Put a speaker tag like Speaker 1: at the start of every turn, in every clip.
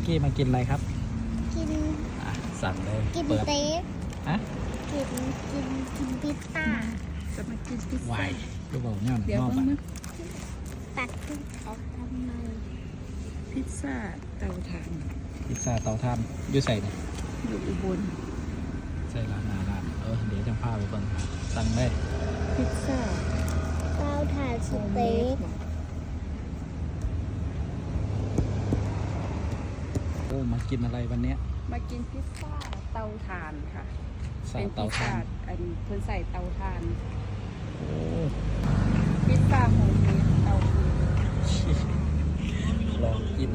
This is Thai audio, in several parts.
Speaker 1: กี้มากินอะไรครับ
Speaker 2: กิน
Speaker 1: สั่งเลย
Speaker 2: กิน
Speaker 1: เปิด
Speaker 2: เต๊ก
Speaker 1: ฮะ
Speaker 2: กินพิซซ่า
Speaker 3: จะมากินพิซ
Speaker 1: วา
Speaker 3: ซ่าย
Speaker 1: ก็บอกเนี่ย
Speaker 3: เดี๋ยว
Speaker 1: นอก
Speaker 3: เพิ่ง
Speaker 1: อ่ะ
Speaker 3: นะ
Speaker 2: ตัดออกทำไม
Speaker 3: พิซซ่าเตาถ่าน
Speaker 1: พิซซ่าเตาถ่านอยู่ใส่เนี่ย
Speaker 3: อยู่อุบล
Speaker 1: ใส่ร้านอาหารเดี๋ยวจะพาไปเบิ่งครับสั่งได้
Speaker 3: พิซซ่า
Speaker 2: เต้าถ่านสเต็ก
Speaker 1: โอ้มากินอะไรวันเนี้ย
Speaker 3: มากินพิซซ่าเตาถ่านค่ะ
Speaker 1: ใส่
Speaker 3: เป็น
Speaker 1: เตา
Speaker 3: พิซ
Speaker 1: ถ่า
Speaker 3: ซ่าน อันเพิ่นใส่เตาถ่าน
Speaker 1: โอ้
Speaker 3: พิซซ่าโฮมเมดเตาฟืน
Speaker 1: ลองกิน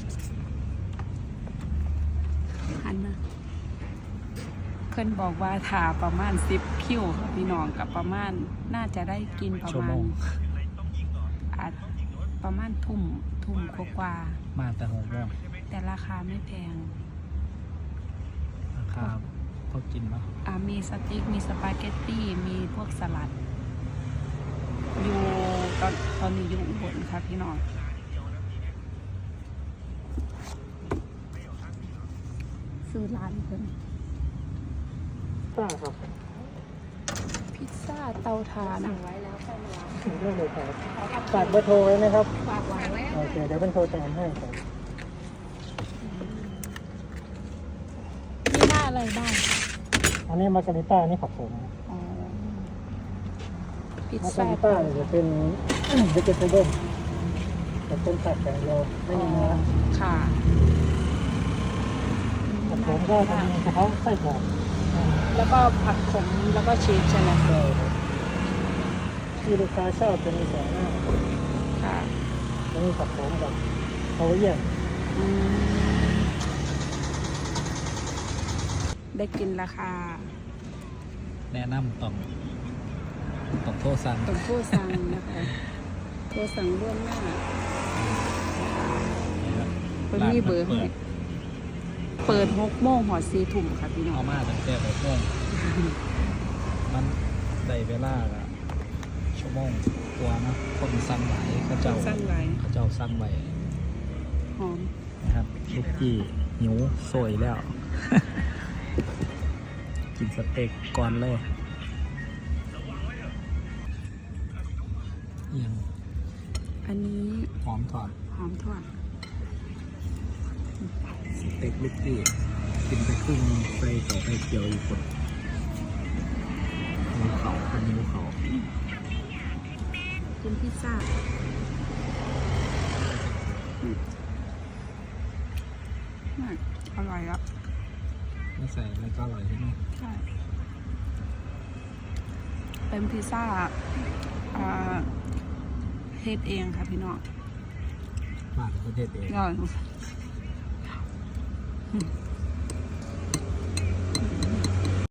Speaker 3: หันนะเพิ่นบอกว่าถ่าประมาณ10คิวค่ะพี่น้องกับประมาณน่าจะได้กินประ
Speaker 1: ชั่ว
Speaker 3: มา
Speaker 1: โม
Speaker 3: ณ
Speaker 1: ง
Speaker 3: อาจประมาณทุ่มกว่า
Speaker 1: มาแต่6 โมง
Speaker 3: ๆแต่ราคาไม่แพง
Speaker 1: ราคาพอกินมั้ย
Speaker 3: มีสติ๊กมีสปาเกตตี้มีพวกสลัด อยู่ตอนนี้อยู่อุบลค่ะพี่น้องซื้อร้านเพิ่น
Speaker 4: ป้าครับ
Speaker 3: พิซซ่าเตาถ่านสั่งไว้แล้ว
Speaker 4: ถึงเรื่องเลยครับฝากเบอร์โทรไว้ไหมครับ
Speaker 3: ฝากไว้แล้ว
Speaker 4: โอเคเดี๋ยวเป็นโทรแทนให้ครับ
Speaker 3: มีหน้าอะไรบ้าง
Speaker 4: อันนี้มาร์การิต้านี่ผักผม
Speaker 3: อ๋อพิซ
Speaker 4: มาร์กา
Speaker 3: ซ่า
Speaker 4: ริต้าเนี่ยจะเป็น เวจิเทเบิลจะเป็นผักแต่เดียวไม่มีเนื้อ
Speaker 3: ค่ะ
Speaker 4: ผักผมก็จะมีเฉพาะไส้กรอก
Speaker 3: แล้วก็ผักขมแล้วก็ชีสใช่ไหม
Speaker 4: ใช่ครับที่ลูกค้าชอบจะมีสองหน้า
Speaker 3: ค่ะ
Speaker 4: จะมีผักผมกับโอเยี่ยน
Speaker 3: อืมได้กินราคา
Speaker 1: แนะนำต้องโทรสั่ง
Speaker 3: ต้องโทรสั่งนะคะโทรสั่งล่วงหน้าเพิ่นมีเบอร์ให้เปิด6 โมงหอด4 ทุ่มค่ะพี่น้อ
Speaker 1: เอา
Speaker 3: ง
Speaker 1: มาตั้งแต่6 โมงมันได้เวลาละชั่วโมงกว่านะคนสั่งหลายเขาเจ้า
Speaker 3: สั่งไว้
Speaker 1: สั่งไว้
Speaker 3: หอม
Speaker 1: นะครับลูกกี้หิวโซยแล้ว กินสเต็กก่อนเลยเอียง
Speaker 3: อันนี้
Speaker 1: หอมถอด
Speaker 3: หอมทอด
Speaker 1: สเต็กลูกกี้กินไปครึ่งใส่ต่อไปเกียวอีกคนนิ้วเขาเป็นนิ้วเขา
Speaker 3: กินพิซซ่าอร่อยอ่ะ
Speaker 1: ไม่ใส่อะไรก็อร่อยใช่ไหม
Speaker 3: ใช่เป็นพิซซ่าเฮ็ดเองค่ะพี่น้อง
Speaker 1: บ้านประเทศเอง
Speaker 3: อร่อย